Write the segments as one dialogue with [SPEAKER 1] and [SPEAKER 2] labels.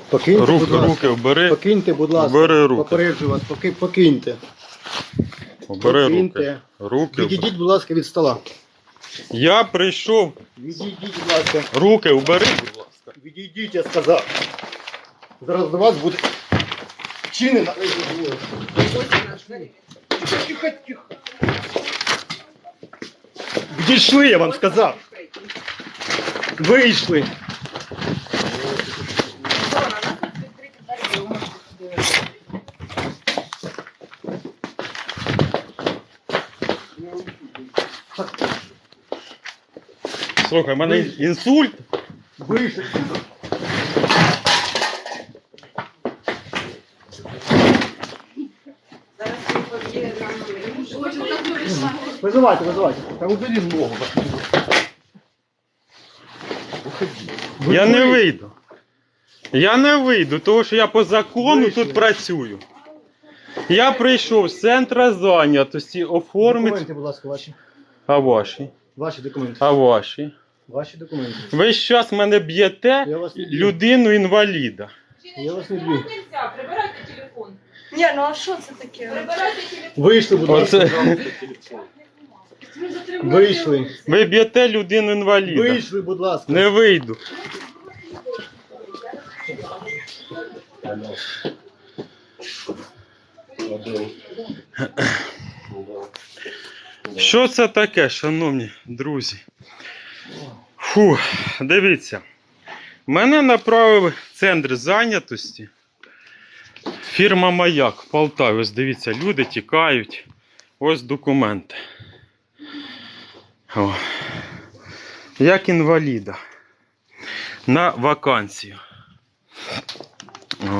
[SPEAKER 1] Покиньте, будь ласка.
[SPEAKER 2] Руки вбери.
[SPEAKER 1] Покиньте, будь ласка.
[SPEAKER 2] Вбери руки.
[SPEAKER 1] Попереджу вас, покиньте.
[SPEAKER 2] Вбери руки.
[SPEAKER 1] Покиньте.
[SPEAKER 2] Руки.
[SPEAKER 1] Відійдіть, будь ласка, від стола.
[SPEAKER 2] Я прийшов.
[SPEAKER 1] Відійдіть, будь ласка.
[SPEAKER 2] Руки вбери, будь ласка.
[SPEAKER 1] Відійдіть, я сказав. Зараз до вас буде чинена. Тихо, тихо. Відійшли, я вам сказав. Вийшли.
[SPEAKER 2] Слухай, в мене інсульт.
[SPEAKER 1] Вийшли. Визивайте. Та убери ногу.
[SPEAKER 2] Я не вийду. Я не вийду, тому що я по закону
[SPEAKER 1] Вийшли.
[SPEAKER 2] тут працюю. Я прийшов з центру зайнятості оформити.
[SPEAKER 1] Документи, будь ласка, ваші.
[SPEAKER 2] А ваші?
[SPEAKER 1] Ваші документи.
[SPEAKER 2] А ваші?
[SPEAKER 1] Ваші документи.
[SPEAKER 2] Ви зараз мене б'єте
[SPEAKER 1] Я вас не б'ю.
[SPEAKER 2] людину-інваліда.
[SPEAKER 1] Я вас не б'ю.
[SPEAKER 3] Прибирайте телефон.
[SPEAKER 4] Ні, ну а що це таке?
[SPEAKER 3] Прибирайте телефон.
[SPEAKER 1] Вийшли, будь ласка.
[SPEAKER 2] Оце...
[SPEAKER 3] Ви затримуєте
[SPEAKER 1] Вийшли.
[SPEAKER 2] Ви б'єте людину-інваліда.
[SPEAKER 1] Вийшли, будь ласка.
[SPEAKER 2] Не вийду. Що це таке, шановні друзі? Фу, дивіться. Мене направив центр зайнятості. Фірма Маяк в Полтаві. Ось дивіться, люди тікають. Ось документи. О. Як інваліда. На вакансію. О.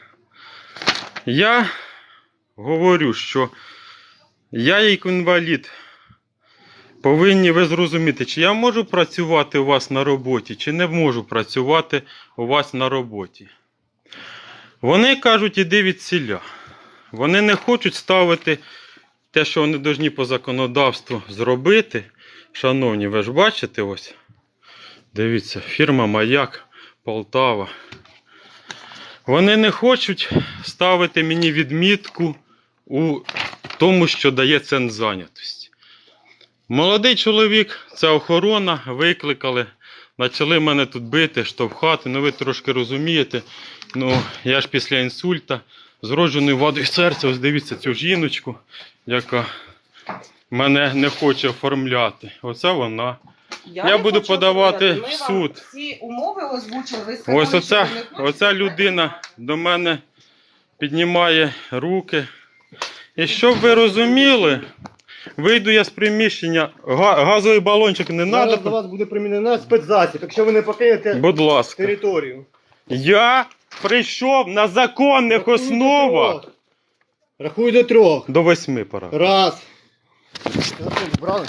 [SPEAKER 2] Я говорю, що я як інвалід повинні ви зрозуміти, чи я можу працювати у вас на роботі, чи не можу працювати у вас на роботі. Вони кажуть, іди від селя. Вони не хочуть ставити те, що вони повинні по законодавству зробити. Шановні, ви ж бачите ось. Дивіться, фірма Маяк, Полтава. Вони не хочуть ставити мені відмітку у тому, що дає центр зайнятості. Молодий чоловік, це охорона, викликали, почали мене тут бити, штовхати. Ну ви трошки розумієте, ну я ж після інсульта, з вродженою вадою серця, ось дивіться цю жіночку, яка мене не хоче оформляти. Оце вона. Я буду подавати в суд.
[SPEAKER 3] Всі умови озвучили, ви сказали,
[SPEAKER 2] Ось
[SPEAKER 3] що
[SPEAKER 2] оця,
[SPEAKER 3] ви не хочете.
[SPEAKER 2] оця людина до мене піднімає руки. І щоб ви розуміли, вийду я з приміщення, газовий балончик не
[SPEAKER 1] Зараз до
[SPEAKER 2] треба.
[SPEAKER 1] вас буде примінена спецзасіб, якщо ви не покинете
[SPEAKER 2] Будь ласка.
[SPEAKER 1] територію.
[SPEAKER 2] Я прийшов на законних
[SPEAKER 1] Рахую до
[SPEAKER 2] основах.
[SPEAKER 1] трьох. Рахую до 3.
[SPEAKER 2] До 8 пора.
[SPEAKER 1] Раз. Телефон брали?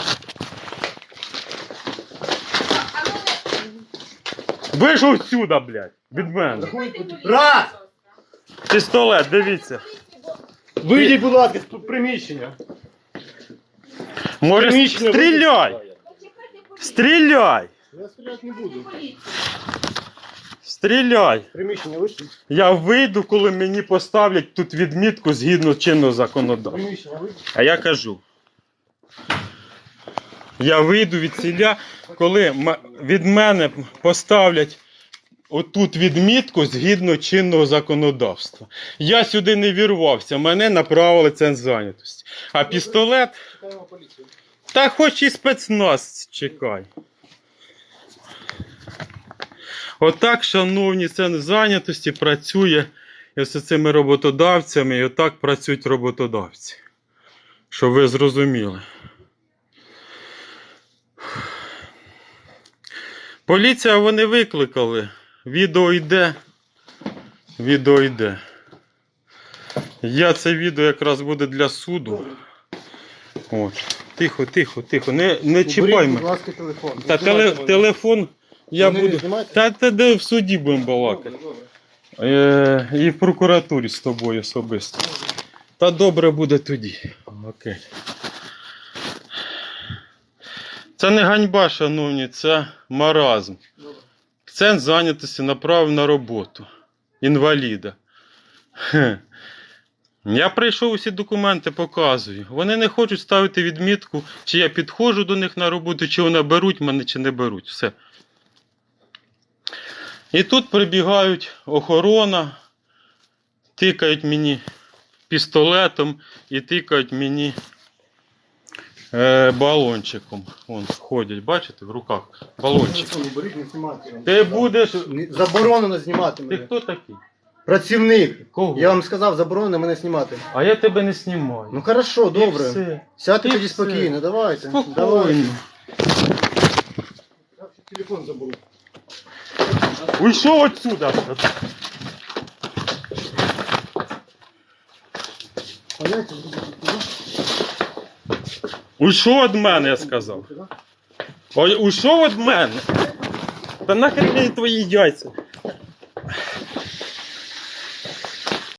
[SPEAKER 2] Вийшов сюди, блядь, від мене.
[SPEAKER 1] Раз!
[SPEAKER 2] Пістолет, дивіться.
[SPEAKER 1] Вийдіть, будь ласка, з приміщення.
[SPEAKER 2] Може,
[SPEAKER 1] Приміщення
[SPEAKER 2] стріляй! Стріляй!
[SPEAKER 1] Я стріляти не буду.
[SPEAKER 2] Стріляй!
[SPEAKER 1] Приміщення вийшли?
[SPEAKER 2] Я вийду, коли мені поставлять тут відмітку згідно чинного законодавства.
[SPEAKER 1] Приміщення вийшли?
[SPEAKER 2] А я кажу. Я вийду від селя, коли від мене поставлять отут відмітку згідно чинного законодавства. Я сюди не вірвався, мене направили центр зайнятості. А пістолет,
[SPEAKER 1] Чекаємо поліцію.
[SPEAKER 2] та хоч і спецназ чекай. Отак, шановні, центр зайнятості працює і з цими роботодавцями, і отак працюють роботодавці. Щоб ви зрозуміли. Поліція вони викликали. Відео йде. Відео йде. Це відео якраз буде для суду. От. Тихо, тихо, тихо. Не чіпай
[SPEAKER 1] Уберіть, будь
[SPEAKER 2] мене.
[SPEAKER 1] ласка, телефон.
[SPEAKER 2] Та
[SPEAKER 1] Знімайте мене.
[SPEAKER 2] телефон я
[SPEAKER 1] Ви не
[SPEAKER 2] буду.
[SPEAKER 1] знімаєте?
[SPEAKER 2] Та де в суді будемо балакати.
[SPEAKER 1] Добре, добре.
[SPEAKER 2] І в прокуратурі з тобою особисто. Та добре буде тоді. Окей. Це не ганьба, шановні, це маразм. Центр зайнятості направив на роботу. інваліда. Хе. Я прийшов, усі документи показую. Вони не хочуть ставити відмітку, чи я підходжу до них на роботу, чи вони беруть мене, чи не беруть. Все. І тут прибігають охорона, тикають мені пістолетом і тикають мені балончиком. Вон ходять, бачите, в руках балончик.
[SPEAKER 1] Телефон уберіть, не знімати.
[SPEAKER 2] Ти будеш...
[SPEAKER 1] Заборонено знімати
[SPEAKER 2] Ти
[SPEAKER 1] мене.
[SPEAKER 2] хто такий?
[SPEAKER 1] Працівник.
[SPEAKER 2] Кого?
[SPEAKER 1] Я вам сказав, заборонено мене знімати.
[SPEAKER 2] А я тебе не знімаю.
[SPEAKER 1] Ну хорошо,
[SPEAKER 2] І
[SPEAKER 1] добре.
[SPEAKER 2] все.
[SPEAKER 1] Сядьте
[SPEAKER 2] І
[SPEAKER 1] тоді
[SPEAKER 2] все.
[SPEAKER 1] спокійно, давайте. Давайте.
[SPEAKER 2] Спокійно.
[SPEAKER 1] Я телефон заберу.
[SPEAKER 2] Уйшов отсюда.
[SPEAKER 1] Поняття?
[SPEAKER 2] Уйшов від мене, я сказав. Ой, уйшов від мене. Та нахрен мені твої яйця.